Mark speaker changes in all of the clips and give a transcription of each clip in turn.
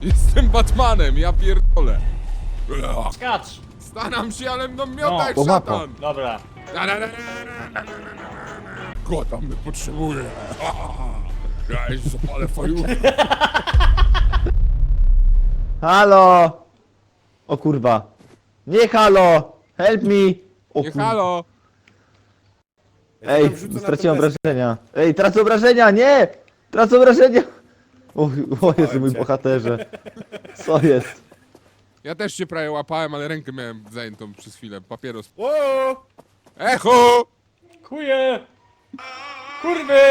Speaker 1: Jestem Batmanem, ja pierdolę.
Speaker 2: Skacz!
Speaker 1: Staram się, ale mną miota jak
Speaker 3: po mapa.
Speaker 1: szatan.
Speaker 2: Dobra.
Speaker 1: Kota mnie potrzebuje. Ja już zapalę fajurę.
Speaker 3: Halo! O kurwa. Nie halo! Help me! O
Speaker 1: Nie
Speaker 3: kurwa.
Speaker 1: halo.
Speaker 3: Ej, straciłem obrażenia. Ej, tracę obrażenia, nie! Tracę obrażenia! O Jezu, mój bohaterze. Co jest?
Speaker 1: Ja też się prawie łapałem, ale rękę miałem zajętą przez chwilę. Papieros.
Speaker 4: O!
Speaker 1: Echo!
Speaker 2: Kuje! Kurwy!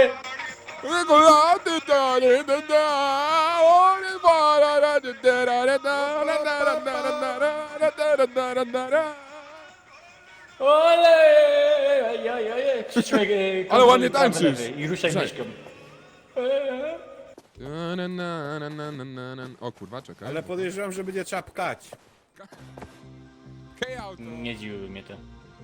Speaker 2: Ole! Ojej! Krzyczmy,
Speaker 1: Ale ładnie
Speaker 2: prawy,
Speaker 1: tańczysz.
Speaker 2: lewy I ruszaj
Speaker 1: Cześć.
Speaker 2: myszką.
Speaker 1: O kurwa, czekaj.
Speaker 4: Ale podejrzewam, że będzie trzeba pkać.
Speaker 1: K-auto.
Speaker 2: Nie dziwiły mnie to.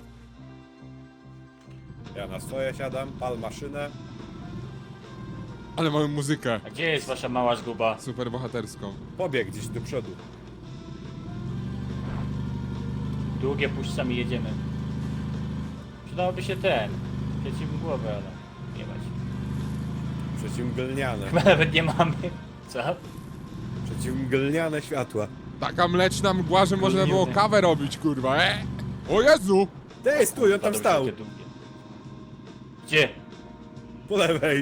Speaker 4: Ja na swoje siadam, pal maszynę.
Speaker 1: Ale mamy muzykę.
Speaker 2: A gdzie jest wasza mała zguba?
Speaker 1: Super bohaterską.
Speaker 4: Pobieg gdzieś do przodu.
Speaker 2: Długie puszczami jedziemy. Przydałoby się ten. Przeciw głowę, ale nie mać.
Speaker 4: Przeciwmglniane.
Speaker 2: Chyba nawet nie mamy. Co?
Speaker 4: Przeciwmglniane światła.
Speaker 1: Taka mleczna mgła, że można było
Speaker 2: Miliony.
Speaker 1: kawę robić, kurwa, O Jezu!
Speaker 4: Dej, stój, on tam
Speaker 2: Padł
Speaker 4: stał.
Speaker 2: się te długie. Gdzie?
Speaker 4: Po lewej.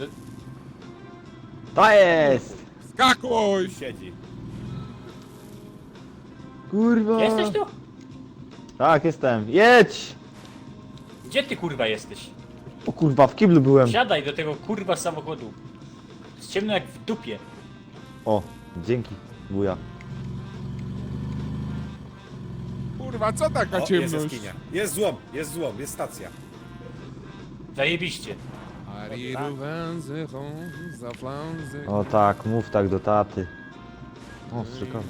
Speaker 3: To jest!
Speaker 1: Skakuj!
Speaker 4: Siedzi.
Speaker 3: Kurwa!
Speaker 2: Jesteś tu?
Speaker 3: Tak, jestem. Jedź!
Speaker 2: Gdzie ty kurwa jesteś?
Speaker 3: O kurwa, w kiblu byłem.
Speaker 2: Siadaj do tego kurwa samochodu. Jest ciemno jak w dupie.
Speaker 3: O, dzięki, wuja.
Speaker 1: Kurwa, co taka
Speaker 4: O, jest
Speaker 1: ciemność?
Speaker 4: jaskinia. Jest złom, jest stacja.
Speaker 2: Zajebiście.
Speaker 3: O tak, mów tak do taty. O, strzykowa.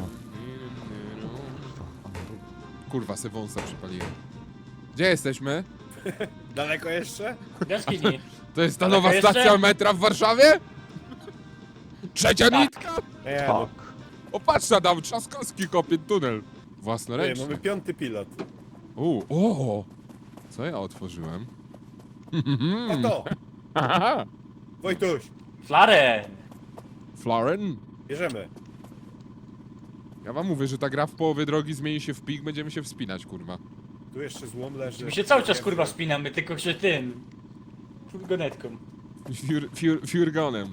Speaker 1: Kurwa, se wąsa przypaliłem. Gdzie jesteśmy?
Speaker 4: Daleko jeszcze?
Speaker 2: Jaskini.
Speaker 1: To jest ta
Speaker 2: Daleko
Speaker 1: nowa
Speaker 2: jeszcze?
Speaker 1: stacja metra w Warszawie? Trzecia
Speaker 2: Tak.
Speaker 1: nitka?
Speaker 4: Nie, no.
Speaker 3: Tak.
Speaker 1: O, patrz, Adam, Trzaskowski kopie tunel.
Speaker 4: Nie,
Speaker 1: Własnoręcznie.
Speaker 4: mamy 5. pilot.
Speaker 1: O! Co ja otworzyłem?
Speaker 4: A to! Wojtuś,
Speaker 2: Flarę!
Speaker 1: Flaren?
Speaker 4: bierzemy.
Speaker 1: Ja wam mówię, że ta gra w połowie drogi zmieni się w pik, będziemy się wspinać, kurwa.
Speaker 4: Tu jeszcze złom leży.
Speaker 2: My się cały czas kurwa wspinamy, tylko że tym. Furgonetką.
Speaker 1: Furgonem.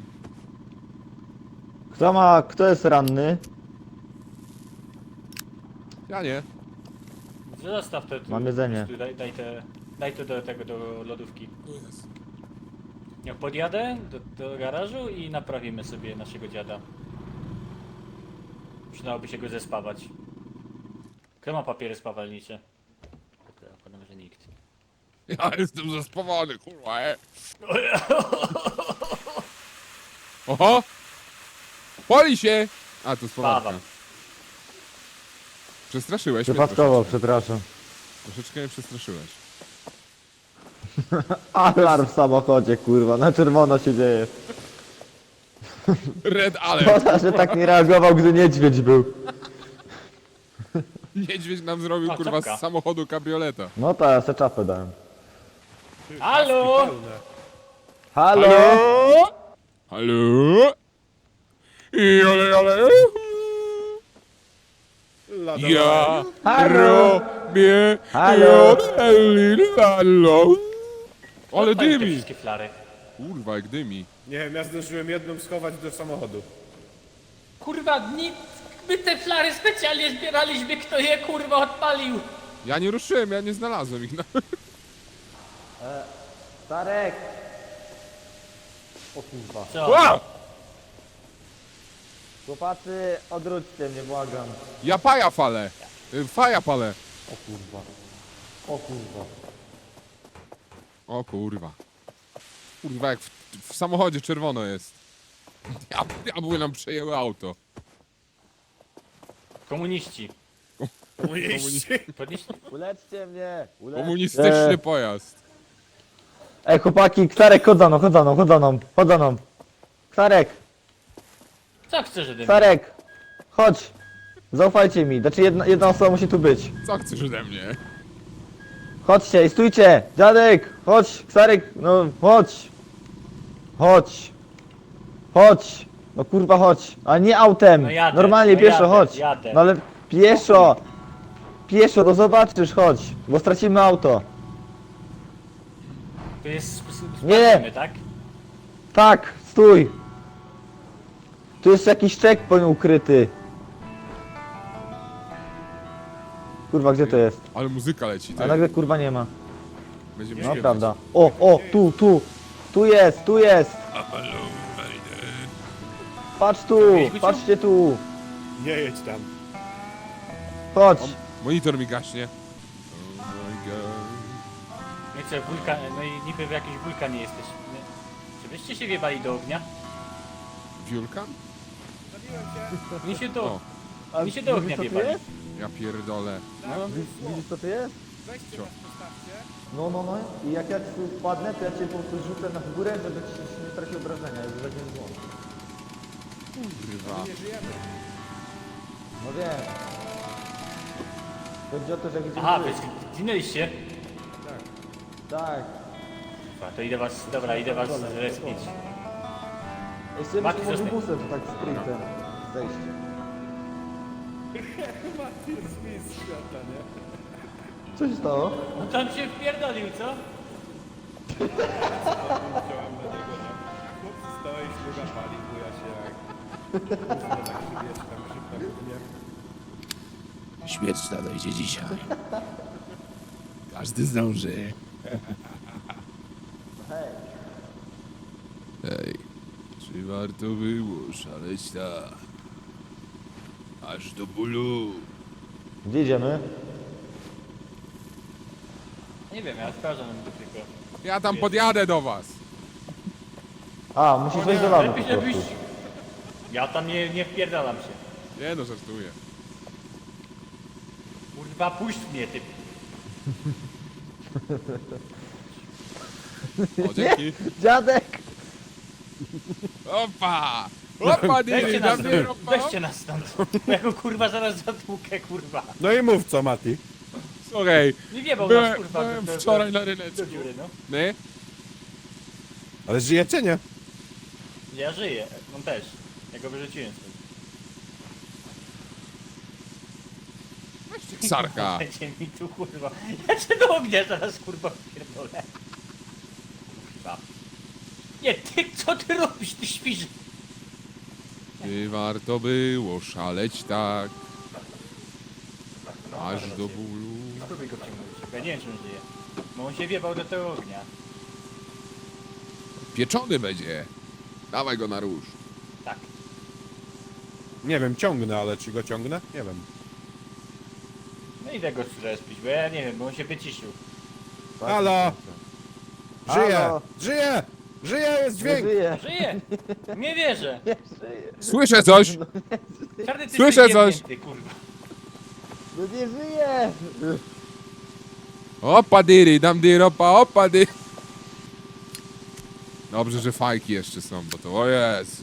Speaker 3: Kto jest ranny?
Speaker 1: Ja nie.
Speaker 2: Zostaw to tu.
Speaker 3: Mam jedzenie.
Speaker 2: Tu, daj to do tego, do lodówki.
Speaker 1: Tu jest.
Speaker 2: Ja podjadę do garażu i naprawimy sobie naszego dziada. Przydałoby się go zespawać. Kto ma papiery spawalnicze? Podam, że nikt.
Speaker 1: Ja jestem zespawany, kurwa, Oho! Poli się! A, to spawarka.
Speaker 2: Spawam.
Speaker 1: Przestraszyłeś mnie
Speaker 3: Przypadkowo,
Speaker 1: troszeczkę.
Speaker 3: przepraszam.
Speaker 1: Troszeczkę mnie przestraszyłeś.
Speaker 3: Alarm w samochodzie, kurwa, na czerwono się dzieje.
Speaker 1: Red alert!
Speaker 3: Szkoda, że tak nie reagował, gdy niedźwiedź był.
Speaker 1: Niedźwiedź nam zrobił,
Speaker 2: O,
Speaker 1: kurwa,
Speaker 2: czapka.
Speaker 1: z samochodu kabrioleta.
Speaker 3: No to ja se czapę dałem.
Speaker 2: Halo!
Speaker 4: Pełne.
Speaker 3: Halo?
Speaker 1: Halo? Jole.
Speaker 4: Lada,
Speaker 1: Ja
Speaker 3: Halo?
Speaker 1: robię
Speaker 3: Halo?
Speaker 1: Halo. Ale
Speaker 2: Odpalił te
Speaker 1: dymi!
Speaker 2: wszystkie flary.
Speaker 1: Kurwa, jak dymi.
Speaker 4: Nie wiem, ja zdążyłem jedną schować do samochodu.
Speaker 2: Kurwa, my te flary specjalnie zbieraliśmy, kto je kurwa odpalił.
Speaker 1: Ja nie ruszyłem, ja nie znalazłem ich.
Speaker 3: Starek! O kurwa.
Speaker 2: Co?
Speaker 1: Wow!
Speaker 3: Chłopacy, odwróćcie mnie, błagam.
Speaker 1: Ja paja falę. Faja palę.
Speaker 3: O kurwa. O kurwa.
Speaker 1: O kurwa. Kurwa, jak w samochodzie czerwono jest. Diabły nam przejęły auto.
Speaker 2: Komuniści.
Speaker 4: Komuniści.
Speaker 2: Podnieśli...
Speaker 3: Uleczcie mnie!
Speaker 1: Komunistyczny pojazd.
Speaker 3: Ej, chłopaki, Ktarek, chodź za mną, chodź za mną, chodź za mną, chodź za mną. Ktarek,
Speaker 2: Co chcesz ode mnie?
Speaker 3: Ktarek, Chodź. Zaufajcie mi. Znaczy jedna osoba musi tu być.
Speaker 1: Co chcesz ode mnie?
Speaker 3: Chodźcie i stójcie. Dziadek, chodź. Ksarek, no chodź. Chodź. Chodź. No kurwa chodź. A nie autem.
Speaker 2: No jadę,
Speaker 3: Normalnie
Speaker 2: no
Speaker 3: pieszo,
Speaker 2: jadę,
Speaker 3: chodź.
Speaker 2: jadę.
Speaker 3: No ale pieszo. Pieszo, no zobaczysz, chodź. Bo stracimy auto.
Speaker 2: To jest...
Speaker 3: Nie.
Speaker 2: sprawdzimy, tak?
Speaker 3: Tak, stój. Tu jest jakiś checkpoint ukryty. Kurwa, gdzie to jest?
Speaker 1: Ale muzyka leci,
Speaker 3: A
Speaker 1: ty.
Speaker 3: nagle kurwa nie ma.
Speaker 1: Będziemy
Speaker 3: No
Speaker 1: śpiewać.
Speaker 3: prawda. O, tu. Tu jest, tu jest. Patrz tu, patrzcie tu.
Speaker 4: Nie jedź tam.
Speaker 3: Chodź.
Speaker 1: Monitor mi gaśnie. Oh my god.
Speaker 2: Nie co, wulkan... No i niby w jakiś wulkan nie jesteś. Czy byście się wjebali do ognia?
Speaker 1: Wiulkan?
Speaker 2: Mi się do...
Speaker 3: A
Speaker 2: Mi się do ognia
Speaker 3: widzisz, co tu
Speaker 2: wjebali.
Speaker 3: jest?
Speaker 1: Ja pierdolę.
Speaker 2: No,
Speaker 3: Widzisz co to jest?
Speaker 4: Weźcie nas, postawcie.
Speaker 3: No. I jak ja tu wpadnę, to ja cię po prostu rzucę na górę, żeby ci się nie stracił obrażenia, żeby tak nie było.
Speaker 1: Kurwa.
Speaker 4: Nie żyjemy.
Speaker 3: No wiem. Chodzi o to, że jak
Speaker 2: aha,
Speaker 3: idziemy...
Speaker 2: wy zginęliście?
Speaker 3: Tak.
Speaker 2: Kurwa, to idę was... Dobra, idę was respić.
Speaker 3: Jeszcze
Speaker 2: Mati,
Speaker 3: byśmy mogli
Speaker 2: zostań.
Speaker 3: busem to tak sprintem zejść.
Speaker 4: Mati jest mistrz świata, nie?
Speaker 3: Co się stało?
Speaker 2: No tam się wpierdolił, co?
Speaker 4: Wziąłem na niego, nie? Chłopcy stoi, śluga pali, buja się jak... Gówno na krzywieczkach, szybko gównie.
Speaker 5: Śmierć nadejdzie dzisiaj. Każdy zdąży.
Speaker 1: Ej, czy warto było szaleć tak? Aż do bólu.
Speaker 3: Gdzie idziemy?
Speaker 2: Nie wiem, ja sprawdzam tylko.
Speaker 1: Ja tam podjadę do was.
Speaker 3: A, musisz wejść do lawy po
Speaker 2: Lepiej,
Speaker 3: prostu.
Speaker 2: żebyś... Ja tam nie wpierdalam się.
Speaker 1: Nie no, żartuję.
Speaker 2: Kurwa, puść mnie, ty.
Speaker 1: O, dzięki.
Speaker 3: Dziadek!
Speaker 1: Opa! Opa,
Speaker 2: Weźcie
Speaker 1: dyry,
Speaker 2: nas
Speaker 1: dam
Speaker 2: stąd.
Speaker 1: opa.
Speaker 2: Weźcie nas stąd. Bo ja go kurwa zaraz zatłukę, kurwa.
Speaker 4: No i mów co, Mati.
Speaker 1: Słuchaj,
Speaker 2: Nie wiebał nas,
Speaker 1: byłem,
Speaker 2: kurwa.
Speaker 1: byłem
Speaker 2: do-
Speaker 1: wczoraj na
Speaker 2: do
Speaker 1: ryneczku.
Speaker 2: dziury, no.
Speaker 1: Nie?
Speaker 4: Ale żyjecie, nie?
Speaker 2: Ja żyję, on też. Ja go wyrzuciłem stąd.
Speaker 1: Sarka.
Speaker 2: Będzie mi tu, kurwa. Ja cię do ognia zaraz, kurwa, pierdolę. Kurwa. Nie, ty, co ty robisz? Ty śpisz.
Speaker 1: Czy warto było szaleć tak? Aż do bólu.
Speaker 2: Spróbuj go przyjmować. Ja nie wiem, czy on żyje. Bo on się wjebał do tego ognia.
Speaker 1: Pieczony będzie. Dawaj go na róż.
Speaker 2: Tak.
Speaker 4: Nie wiem, ciągnę, ale czy go ciągnę? Nie wiem.
Speaker 2: No idę go zrespić, bo ja nie wiem, bo on się wyciszył.
Speaker 4: Halo! Żyje!
Speaker 3: Halo!
Speaker 4: Żyje! Żyje, jest
Speaker 3: Nie
Speaker 4: dźwięk!
Speaker 3: żyje!
Speaker 2: Żyje! Nie wierzę!
Speaker 3: Nie żyje!
Speaker 1: Słyszę coś!
Speaker 2: Czarny, ty
Speaker 1: Słyszę
Speaker 2: jesteś
Speaker 1: coś.
Speaker 2: jebnięty, kurwa.
Speaker 3: No nie żyje!
Speaker 1: Opa dyry, dam dyr, opa dyry. Dobrze, że fajki jeszcze są, bo to o Jezu.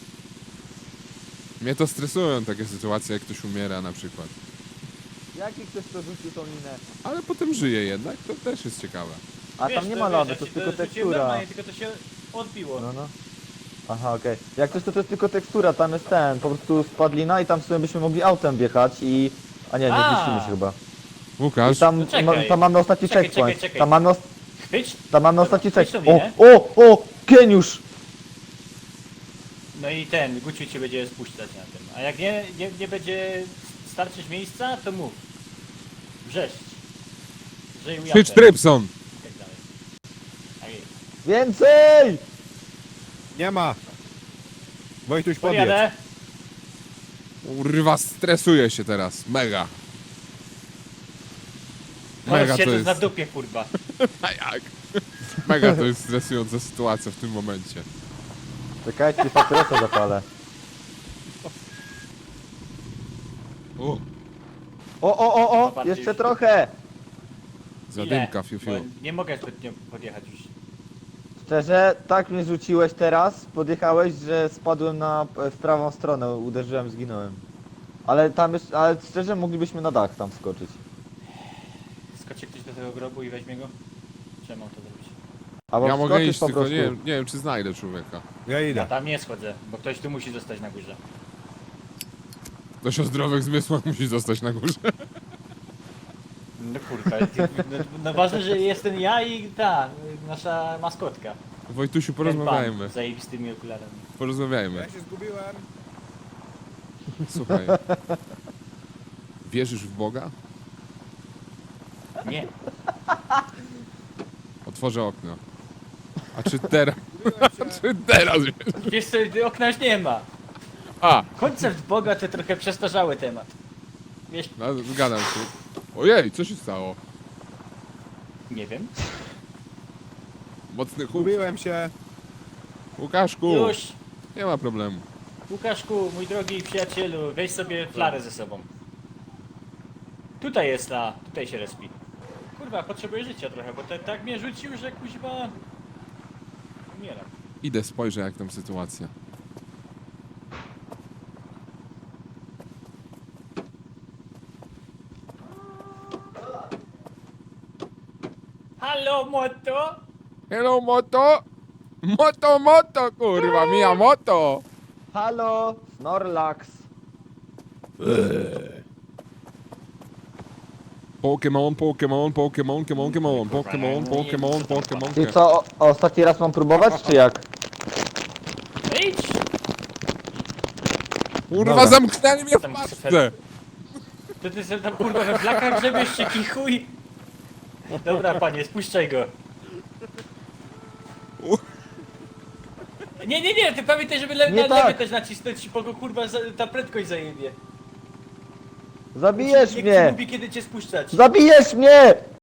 Speaker 1: Mnie to stresują takie sytuacje, jak ktoś umiera na przykład.
Speaker 3: Jaki ktoś to rzucił tą minę?
Speaker 1: Ale potem żyje jednak, to też jest ciekawe.
Speaker 3: A
Speaker 2: Wiesz,
Speaker 3: tam nie
Speaker 2: to
Speaker 3: ma
Speaker 2: wiesz,
Speaker 3: lawy,
Speaker 2: ja
Speaker 3: to
Speaker 2: ci
Speaker 3: jest tylko
Speaker 2: rzuciłem
Speaker 3: tekstura.
Speaker 2: normalnie, tylko to się odbiło.
Speaker 3: No. Aha, okej. Jak coś to jest tylko tekstura, tam jest ten, po prostu spadlina i tam sobie byśmy mogli autem wjechać i... A nie, nie
Speaker 2: A.
Speaker 3: zmieścimy się chyba.
Speaker 1: Łukasz,
Speaker 3: I tam,
Speaker 2: No czekaj.
Speaker 3: tam mamy ostatni
Speaker 2: Czekaj,
Speaker 3: checkpoint.
Speaker 2: czekaj. Chyć?
Speaker 3: Tam mamy ostatni
Speaker 2: Chyć tą
Speaker 3: checkpoint.
Speaker 2: minę.
Speaker 3: O! Geniusz!
Speaker 2: No i ten, Guciu cię będzie spuszczać na tym. A jak nie będzie starczyć miejsca, to mów. Wrzeszcz. Żyj
Speaker 1: krzycz Trypson!
Speaker 2: I tak dalej. Tak jest.
Speaker 3: Więcej!
Speaker 4: Nie ma! Wojtuś, podjedź.
Speaker 2: Podjadę.
Speaker 1: Kurwa, stresuję się teraz, mega. Mega
Speaker 2: Mega
Speaker 1: to
Speaker 2: siedzę
Speaker 1: jest,
Speaker 2: na dupie, kurwa.
Speaker 1: a jak? Mega to jest stresująca sytuacja w tym momencie.
Speaker 3: Czekajcie, papierosa zapalę.
Speaker 1: O,
Speaker 3: O!
Speaker 2: Zobaczcie
Speaker 3: Jeszcze
Speaker 2: już.
Speaker 3: trochę!
Speaker 1: zadymka,
Speaker 2: Ile?
Speaker 1: fiu fiu.
Speaker 2: Bo nie mogę zbytnio podjechać już.
Speaker 3: Szczerze, tak mnie rzuciłeś teraz, podjechałeś, że spadłem w prawą stronę, uderzyłem, zginąłem. Ale tam jest, ale szczerze moglibyśmy na dach tam skoczyć.
Speaker 2: Skoczy ktoś do tego grobu i weźmie go? Czy mam to zrobić?
Speaker 3: Albo
Speaker 1: Ja mogę
Speaker 3: wskoczysz
Speaker 1: iść,
Speaker 3: po
Speaker 1: tylko
Speaker 3: prostu.
Speaker 1: nie wiem czy znajdę człowieka.
Speaker 4: Ja
Speaker 2: Ja
Speaker 4: idę.
Speaker 2: tam nie schodzę, bo ktoś tu musi zostać na górze.
Speaker 1: Ktoś o zdrowych zmysłach musi zostać na górze.
Speaker 2: No kurwa, no ważne, że jestem ja i ta, nasza maskotka.
Speaker 1: Wojtusiu,
Speaker 2: Ten pan
Speaker 1: porozmawiajmy.
Speaker 2: z zajebistymi okularami.
Speaker 1: Porozmawiajmy.
Speaker 4: Ja się zgubiłem.
Speaker 1: Słuchaj. Wierzysz w Boga?
Speaker 2: Nie,
Speaker 1: Otworzę okno. A czy teraz?
Speaker 4: Zgubiłem się.
Speaker 1: Czy teraz wierzysz?
Speaker 2: wiesz co, okna już nie ma.
Speaker 1: A!
Speaker 2: Koncept Boga to trochę przestarzały temat. Wiesz,
Speaker 1: No, zgadzam się. Ojej, co się stało?
Speaker 2: nie wiem.
Speaker 1: Mocny chłop.
Speaker 4: Zgubiłem się.
Speaker 1: Łukaszku!
Speaker 2: Już,
Speaker 1: Nie ma problemu.
Speaker 2: Łukaszku, mój drogi przyjacielu, weź sobie flarę ze sobą. Tutaj jest ta, tutaj się respi. Kurwa, potrzebuję życia trochę, bo tak mnie rzucił, że kuźwa... Umieram.
Speaker 1: Idę, spojrzę jak tam sytuacja.
Speaker 2: Halo, moto!
Speaker 1: Hello, moto! Moto, moto, kurwa, mia moto!
Speaker 3: Halo, Snorlax.
Speaker 1: Pokémon, Pokémon, Pokémon, Pokémon, Pokémon, Pokémon, Pokémon,
Speaker 3: I
Speaker 1: Pokémon.
Speaker 3: co, ostatni raz mam próbować, czy jak?
Speaker 2: Idź!
Speaker 1: Kurwa,
Speaker 3: Dobra.
Speaker 1: zamknęli mnie w
Speaker 2: Tam
Speaker 1: pasce!
Speaker 2: To ty sobie tam kurwa we flakach grzebiesz się kichuj! Dobra panie, spuszczaj go. Nie, ty pamiętaj, żeby
Speaker 3: Nie
Speaker 2: na
Speaker 3: tak.
Speaker 2: lewy też nacisnąć, bo go kurwa ta prędkość zajebie.
Speaker 3: Zabijesz
Speaker 2: Niech ci
Speaker 3: mnie!
Speaker 2: mówi kiedy cię spuszczać.
Speaker 3: Zabijesz mnie!